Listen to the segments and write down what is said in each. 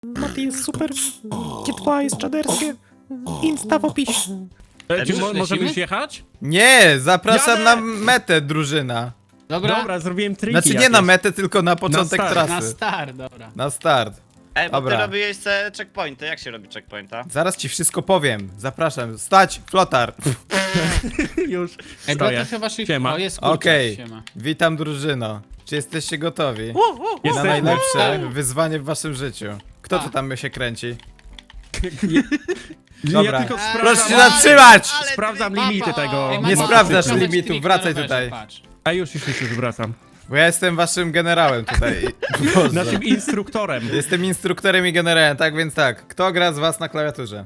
Mati jest super, G2 jest czaderskie, Insta w opisie. Czy Już możemy lecimy? już jechać? Nie, zapraszam Jadę! na metę, drużyna. Dobra, Zrobiłem triki Znaczy nie jakieś. na metę, tylko na początek start, na trasy. start, dobra. Na start. Ej, bo Dobra. ty robiłeś se checkpointy. Jak się robi checkpointa? Zaraz ci wszystko powiem. Zapraszam. Stać, flotar. Już Ej, bo stoję. trochę waszych... Siema. O, jest kurczak, Okej, siema. witam drużyno. Czy jesteście gotowi na Jesteśmy. najlepsze Tak. wyzwanie w waszym życiu? Kto tu Tak. tam się kręci? Ja Dobra. tylko Proszę się sprawdzam, zatrzymać! Ale sprawdzam ty- limity tego. Ej, Nie Maciek, sprawdzasz prowadź limitów, trik wracaj na rowerze, tutaj. patrz. A już wracam. Bo ja jestem waszym generałem tutaj. Boże. Naszym instruktorem. Jestem instruktorem i generałem, tak więc tak. Kto gra z was na klawiaturze?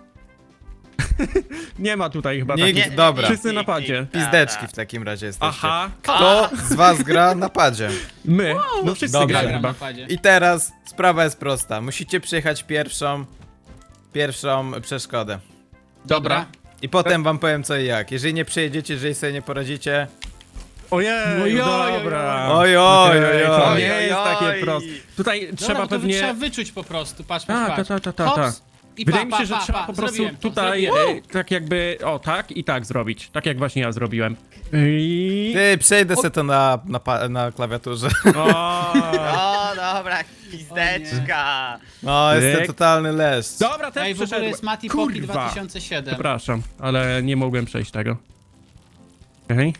Nie ma tutaj chyba Nikt, takich. dobra. Wszyscy na padzie. Pizdeczki w takim razie jesteście. Aha, Kto z was gra na padzie? my. No wszyscy Dobrze. grają Gram na chyba. padzie. I teraz sprawa jest prosta. Musicie przejechać pierwszą przeszkodę. Dobra. I potem wam powiem co i jak. Jeżeli nie przejedziecie, jeżeli sobie nie poradzicie. Ojej, Ojoj, dobra. Oj, oj, Okej, oj, To oj. nie jest takie Oj. proste. Tutaj Dobra, trzeba bo to pewnie... trzeba wyczuć po prostu, patrz, Tak, patrz, tak, tak, patrz. tak. Hops. I Wydaje pa, mi się, że pa, trzeba pa, po prostu zrobiłem to, tutaj zrobiłem. tak jakby, o tak i tak zrobić. Tak jak właśnie ja zrobiłem. I... Ty, przejdę se to na klawiaturze. O, O, dobra, pizdeczka. No, jestem Ryk. totalny leszcz. dobra, też Ej, w ogóle przeszedłem. jest Mati Poki Kurwa. 2007. Przepraszam, ale nie mogłem przejść tego. Okej.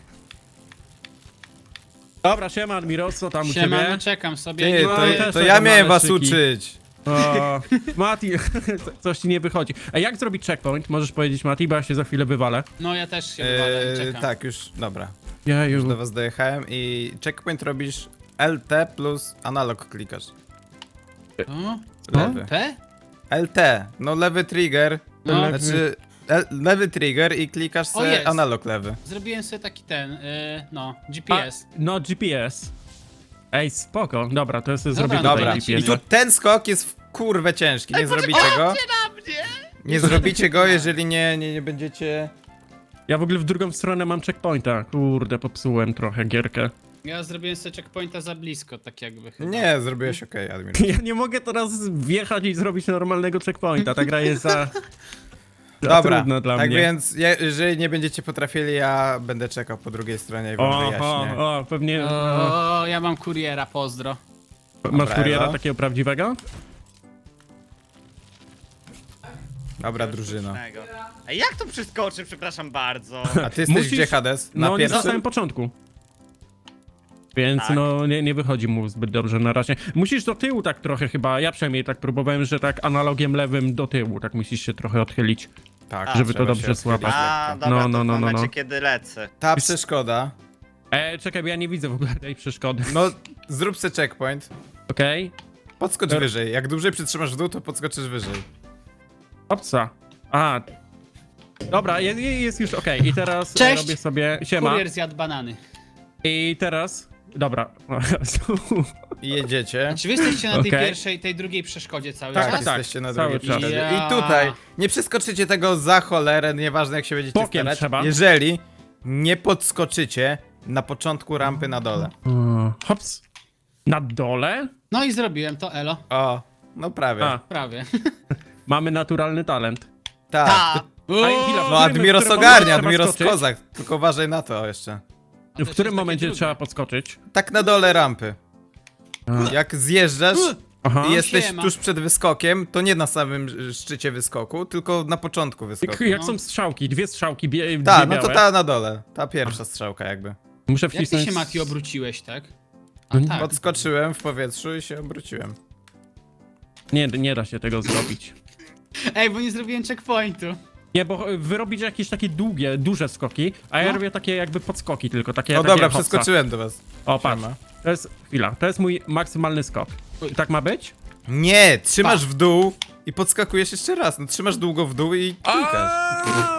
Dobra, siema Admiros, co tam u Siema, ciebie? no czekam sobie. Ty, nie No, to, ja mogę- też to tak ja mam miałem was szyki. uczyć. O, Mati, coś ci nie wychodzi. A jak zrobić checkpoint? Możesz powiedzieć Mati, bo ja się za chwilę wywalę. No ja też się wywalę, czekam. Tak, już, dobra. Jeju. Do was dojechałem i checkpoint robisz LT plus analog klikasz. O? Lewy. P? LT, no lewy trigger, No. znaczy lewy trigger i klikasz O, sobie jest. analog lewy. Zrobiłem sobie taki ten, no, A, GPS. no GPS. Ej, spoko. Dobra, to ja sobie Dobra, zrobię no tutaj Dobra, Macie. i GPS. tu ten skok jest w kurwę ciężki, nie zrobicie go. Nie zrobicie go, jeżeli nie będziecie... Ja w ogóle w drugą stronę mam checkpointa. Kurde, popsułem trochę gierkę. Ja zrobiłem sobie checkpointa za blisko, tak jakby chyba. Nie, zrobiłeś okej, Admir. Ja nie mogę teraz wjechać i zrobić normalnego checkpointa. Ta gra jest za Dobra, trudna dla tak mnie. więc jeżeli nie będziecie potrafili, ja będę czekał po drugiej stronie i wam wyjaśnię. O, pewnie. O, ja mam kuriera, pozdro. Masz Dobra, kuriera Elo. takiego prawdziwego? Dobra, drużyno. Ej, jak to przeskoczy, przepraszam bardzo. A ty jesteś Musisz- gdzie, Hades? Na No nie na pierwszym? samym początku. Więc Tak. no nie wychodzi mu zbyt dobrze na razie. Musisz do tyłu tak trochę chyba, ja przynajmniej tak próbowałem, że tak analogiem lewym do tyłu, tak musisz się trochę odchylić. Tak, Żeby trzeba to dobrze się odchylić złapać. A, lekko. dobra, No, no, to no, w no, momencie, no. kiedy lecę. Ta przeszkoda, Czekaj, bo ja nie widzę w ogóle tej przeszkody. no zrób se checkpoint, Okej. podskocz Er- wyżej. Jak dłużej przytrzymasz w dół, to podskoczysz wyżej. Opsa. A. Dobra, jest już okej. I teraz Cześć. robię sobie. Siema. Kurier zjadł banany. I teraz. Dobra. I jedziecie. Czy wy jesteście na tej Okej. pierwszej, tej drugiej przeszkodzie cały Tak, czas? jesteście na cały drugiej czas. przeszkodzie. Ja. I tutaj nie przeskoczycie tego za cholerę, nieważne jak się będziecie Bokiem starać, trzeba. jeżeli nie podskoczycie na początku rampy na dole. Hops. Na dole? No i zrobiłem to, elo. O, no prawie. A, Prawie. mamy naturalny talent. Tak. Ta. A chwila, w No którym- Admiros w którym ogarnia, momencie trzeba Admiros skoczyć? kozak, tylko uważaj na to jeszcze. W którym jest takie momencie trudne. trzeba podskoczyć? Tak na dole rampy. A. Jak zjeżdżasz Aha. i jesteś Siema. tuż przed wyskokiem, to nie na samym szczycie wyskoku, tylko na początku wyskoku. Jak No. są strzałki, dwie strzałki, dwie Tak, no to białe. ta na dole. Ta pierwsza strzałka jakby. Muszę Jak ty wcisnąć... się, Mati, obróciłeś, tak? No A nie- tak. Podskoczyłem w powietrzu i się obróciłem. Nie da się tego zrobić. Ej, bo nie zrobiłem checkpointu. Nie, bo wy robicie jakieś takie długie, duże skoki, a ja No. robię takie jakby podskoki tylko, takie No takie dobra, hopsa. przeskoczyłem do was. O, patrz. Siema. To jest, chwila, to jest mój maksymalny skok. I tak ma być? Nie, trzymasz w dół i podskakujesz jeszcze raz. No trzymasz długo w dół i klikasz.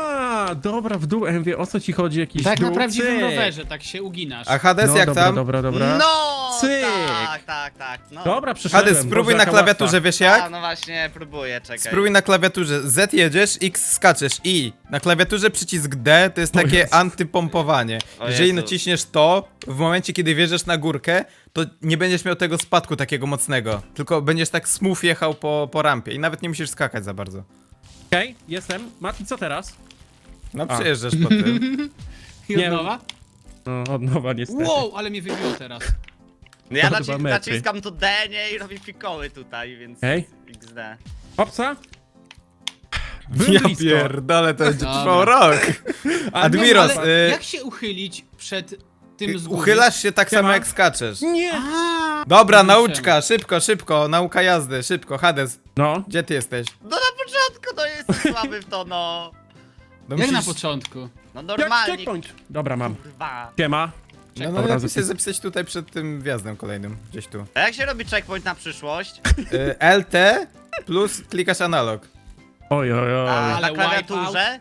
A, dobra, w dół, MW, o co ci chodzi? Jakiś Tak dół? na prawdziwym Cyk. rowerze, tak się uginasz. A Hades No, jak dobra, tam? dobra. No, Cyk. tak, no. Dobra, przeszedłem. Hades, spróbuj Boże, na jaka klawiaturze, łatwa. wiesz A, jak? no właśnie, próbuję, czekaj. Spróbuj na klawiaturze. Z jedziesz, X skaczesz, I. Na klawiaturze przycisk D to jest takie Jezu. antypompowanie. O Jeżeli Jezu. naciśniesz to, w momencie kiedy wjeżdżasz na górkę, to nie będziesz miał tego spadku takiego mocnego. Tylko będziesz tak smooth jechał po rampie i nawet nie musisz skakać za bardzo. Okej, jestem. Mati, co teraz? No przejeżdżasz po tym. I nie od nowa? No, od nowa niestety. Wow, ale mnie wybiło teraz. No ja To 2 metry. naciskam to D, nie, i robię fikoły tutaj, więc Okej. XD. Hopsa. Byłem Ja blisko. pierdolę, to będzie Dobra. trwał rok. A Admiros, Ale jak się uchylić przed tym z góry? uchylasz się tak samo Siema. jak skaczesz. Nie! Dobra, Kurczę. nauczka, szybko, nauka jazdy, szybko. Hades, No, gdzie ty jesteś? No na początku, no jestem słaby w to, no. No Jak na musisz- początku? No jak normalnie, checkpoint. Dobra, mam. kurwa. Siema. No, Dobra, lepiej się zapisać tutaj przed tym wjazdem kolejnym, gdzieś tu. A jak się robi checkpoint na przyszłość? LT plus klikasz analog. Oj. A Ale na klawiaturze?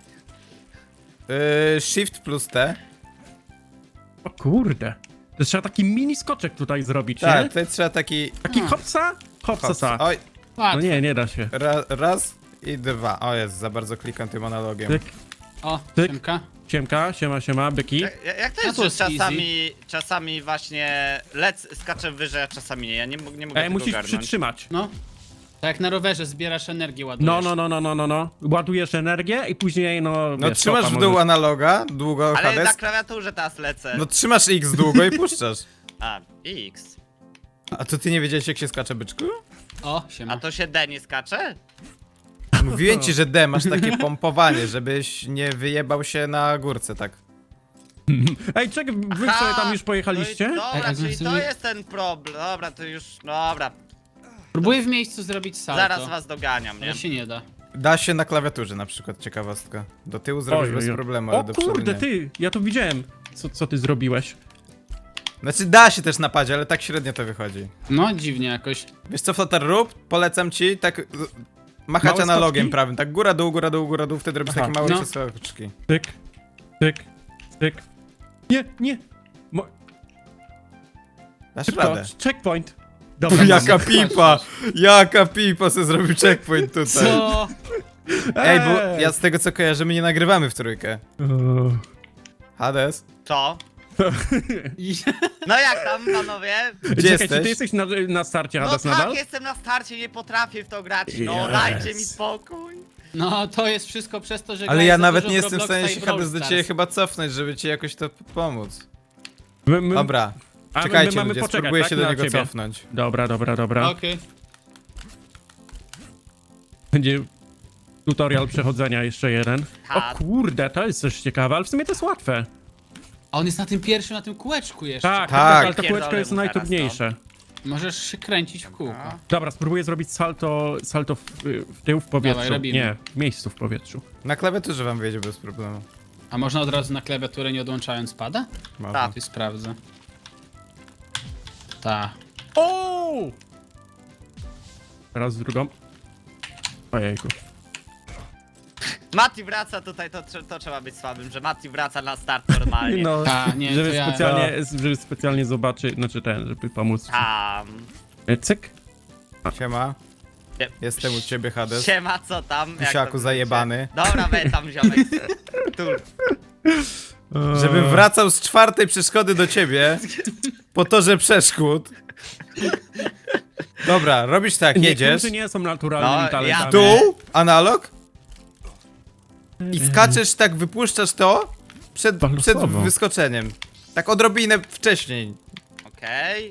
Shift plus T. O kurde. To trzeba taki mini skoczek tutaj zrobić, Tak, nie? tutaj trzeba taki... Taki hopsa? Hopsa. Oj, No Łatwo. nie da się. raz i dwa. O jest, za bardzo klikam tym analogiem. Tyk, O, Tyk. Siemka. siema, byki. Jak to No jest, to że jest czasami właśnie skaczę wyżej, a czasami nie? Ja nie mogę tego Musisz ogarnąć. przytrzymać. No. Tak jak na rowerze zbierasz energię, ładujesz. No. Ładujesz energię i później, no No wiesz, trzymasz stopa w dół możesz- analoga, długo Ale na Hades. klawiaturze teraz lecę. No trzymasz X długo i puszczasz. A, X. A to ty nie wiedziałeś jak się skacze, byczku? O, siema. A to się D nie skacze? Mówiłem ci, że D, masz takie pompowanie, żebyś nie wyjebał się na górce, tak. Ej, czekaj, wy Aha, sobie tam już pojechaliście? No i, dobra, Ej, czyli to sobie- jest ten problem. Dobra, to już, dobra. Próbuję w miejscu zrobić salto. Zaraz was doganiam, nie? Ale się nie da. Da się na klawiaturze na przykład, ciekawostka. Do tyłu zrobisz bez problemu, ale O do przodu kurde, nie. ty, ja to widziałem, co ty zrobiłeś. Znaczy da się też napadzie, ale tak średnio to wychodzi. No, dziwnie jakoś. Wiesz co, Flotar, rób? Polecam ci tak machać Małe analogiem skoczki? prawym, tak góra, dół, wtedy robisz Aha. takie małe No. przeskoczki. Tyk. Nie. Dasz Szybko, radę. checkpoint. Dobra, Jaka mam. jaka pipa se zrobił checkpoint tutaj. Co? Ej, bo ja z tego co kojarzę, my nie nagrywamy w trójkę. Hades, Co? I- No jak tam, panowie? gdzie Czekaj, jesteś? czy ty jesteś na starcie, No Hades, tak, nadal? jestem na starcie, nie potrafię w to grać. No Yes. dajcie mi spokój. No, to jest wszystko przez to, że Ale grałeś ja za nawet dużo nie w jestem w Robloxa stanie i się Brawl Hades do Stars. ciebie chyba cofnąć, żeby ci jakoś to pomóc. My, Dobra, a czekajcie mamy ludzie, poczekać, spróbuję tak, się do na niego ciebie. cofnąć. Dobra. Okej. Będzie tutorial przechodzenia jeszcze jeden. Ha. O kurde, to jest coś ciekawe, ale w sumie to jest łatwe. A on jest na tym pierwszym, na tym kółeczku jeszcze. Tak, Tak. ale ta Pierdolę kółeczka jest mu teraz, najtrudniejsze. Możesz się kręcić w kółko. Dobra, spróbuję zrobić salto w tył w powietrzu. Dawaj, robimy. Nie, w miejscu w powietrzu. Na klawiaturze wam wyjdzie bez problemu. A można od razu na klawiaturę nie odłączając pada? Można. Tak. Ty sprawdzę. Ta. O! Teraz w drugą. Ojejku. Mati wraca tutaj, to trzeba być słabym, że Mati wraca na start normalnie. No, Ta, nie, żeby, to ja. żeby specjalnie zobaczyć, znaczy żeby pomóc. Tam. Cyk. Siema, Nie. jestem u ciebie Hades. Siema, co tam? Jak Misiaku tam zajebany. życie? Dobra, weź tam ziomek. Tu. Żebym wracał z czwartej przeszkody do ciebie po torze przeszkód. Dobra, robisz tak, jedziesz. Niektórzy nie są naturalnymi No, talentami. ja- Dół, analog. I skaczesz tak, wypuszczasz to przed Losowo. wyskoczeniem. Tak odrobinę wcześniej. Okej.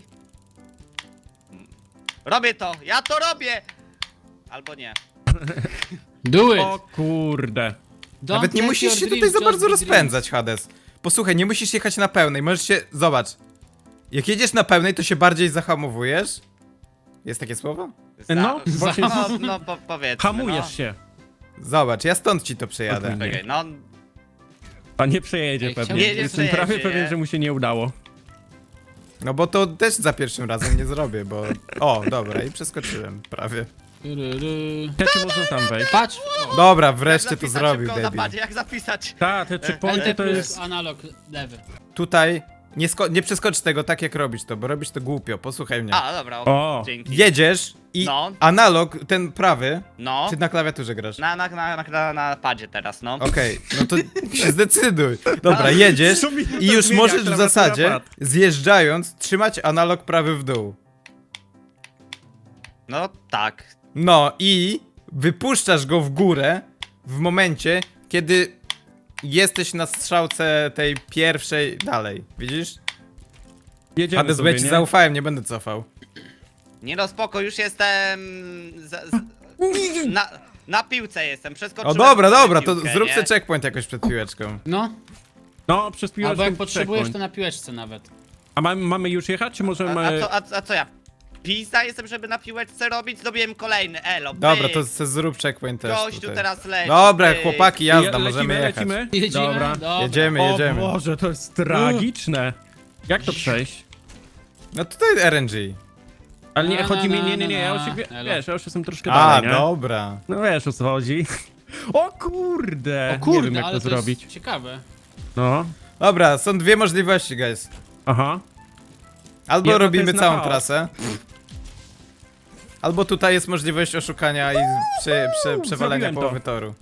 Robię to, ja to robię! Albo nie. Do it! O kurde. Don't Nawet nie let musisz your się tutaj dreams za just bardzo be rozpędzać, Hades. Posłuchaj, nie musisz jechać na pełnej, możesz się... Zobacz. Jak jedziesz na pełnej, to się bardziej zahamowujesz. Jest takie słowo? No, właśnie No, powiedzmy, hamujesz się. Zobacz, ja stąd ci to przejadę. Odmienię. Okej, no, A nie przejedzie Ej, pewnie. chciałbym- Nie Jestem przejedzie, prawie nie? pewien, że mu się nie udało. No bo to też za pierwszym razem nie zrobię, bo... O, dobra, i przeskoczyłem, prawie. Czy można tam wejść? Patrz! Dobra, Jak wreszcie to zapisać zrobił, szybko na debil. padzie, jak zapisać? Ta, te checkpointy LT to plus jest... analog lewy. Tutaj nie przeskocz tego tak, jak robisz to, bo robisz to głupio, posłuchaj mnie. A, dobra, O. dzięki. Jedziesz i No. analog, ten prawy, No, czy na klawiaturze grasz? na padzie teraz, no. Okej, no to się zdecyduj. Dobra, jedziesz Co mi to i już zmienia, możesz w klawiatura zasadzie, pad? zjeżdżając, trzymać analog prawy w dół. No tak. No i wypuszczasz go w górę w momencie, kiedy jesteś na strzałce tej pierwszej dalej. Widzisz? Jedziemy Hades, bo sobie, ja ci nie? zaufałem, nie będę cofał. Nie no, spoko, już jestem... Na piłce jestem, O przeskoczyłem dobra, sobie dobra, to piłkę, zrób nie? sobie checkpoint jakoś przed piłeczką. No, No, przez piłeczkę albo jak potrzebujesz, to checkpoint. na piłeczce nawet. A mamy już jechać, czy możemy... A co ja? Pizza jestem, żeby na piłeczce robić? Zrobiłem kolejny, elo, Dobra, pyk. to se zrób checkpoint też Gościu tutaj. teraz leci, Dobra, pyk. chłopaki, jazda, możemy jechać. lecimy? Jedziemy? Dobra. Dobra. Jedziemy, O jedziemy. Boże, to jest tragiczne. Jak to przejść? No tutaj RNG. Ale nie, Na, chodzi mi, na, nie, ja już, na, wiesz, elo. ja już jestem troszkę A, dalej, nie? dobra. No wiesz, o co chodzi. O kurde! O kurde, nie wiem, jak ale to zrobić. jest ciekawe. No, Dobra, są dwie możliwości, guys. aha. Albo Jedna to robimy jest na całą chaos. trasę. Albo tutaj jest możliwość oszukania i przewalenia zrobiłem to. połowy toru.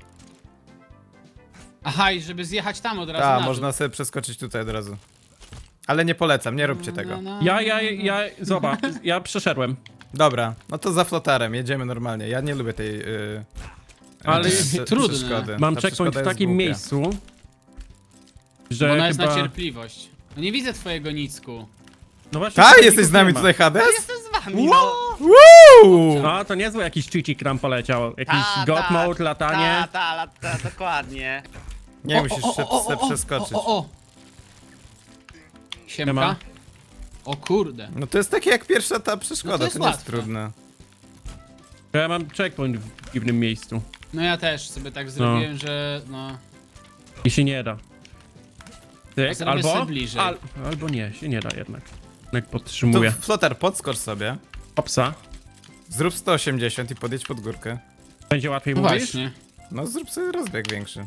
Aha, i żeby zjechać tam od razu Tak, na dół. można sobie przeskoczyć tutaj od razu. Ale nie polecam, nie róbcie tego. Zobacz, ja przeszedłem. Dobra, no to za flotarem, jedziemy normalnie. Ja nie lubię tej Ale trudne. przeszkody. Mam Ta checkpoint przeszkoda w jest takim głupia. miejscu, Bo że ona jest chyba... na cierpliwość. No nie widzę twojego nicku. No właśnie, Tak, tego jesteś z nie nami ma. tutaj, Hades? Jestem z wami, no. Uuu! No, to niezły jakiś cheatik nam poleciał. Jakiś Ta, god ta, mode, latanie. Dokładnie. Nie musisz się przeskoczyć. O. Siemka. ma. O kurde. No to jest takie jak pierwsza ta przeszkoda, No to to, jest nie jest łatwe. trudne. Ja mam checkpoint w dziwnym miejscu. No ja też sobie tak zrobiłem, że no... I się nie da. A Tyk, zrobię albo... sobie bliżej. Albo nie, się nie da jednak. Jak To podtrzymuję. flotar, podskocz sobie, Opsa. zrób 180 i podjedź pod górkę. Będzie łatwiej No mówisz? właśnie. No zrób sobie rozbieg większy.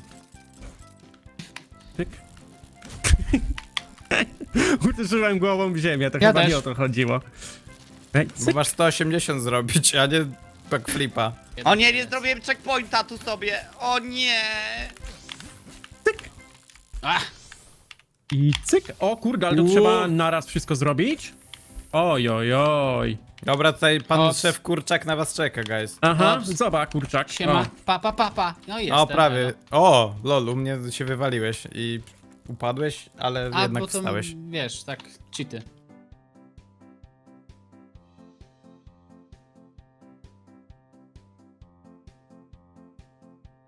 Tyk. Uderzyłem głową w ziemię, to Ja chyba też. nie o to chodziło. Ej, Bo cyk. masz 180 zrobić, a nie backflipa. O nie, nie zrobiłem checkpointa tu sobie. O nie. Ach, I cyk. O kurde, ale to Uuu. trzeba naraz wszystko zrobić? Oj, oj, oj. Dobra, tutaj pan O, szef Kurczak na was czeka, guys. Aha, Ops. zobacz, kurczak. siema. O. Pa. No jestem. O, prawie. O, lol, u mnie się wywaliłeś i upadłeś, ale A, jednak bo to, wstałeś. wiesz, tak, cheaty.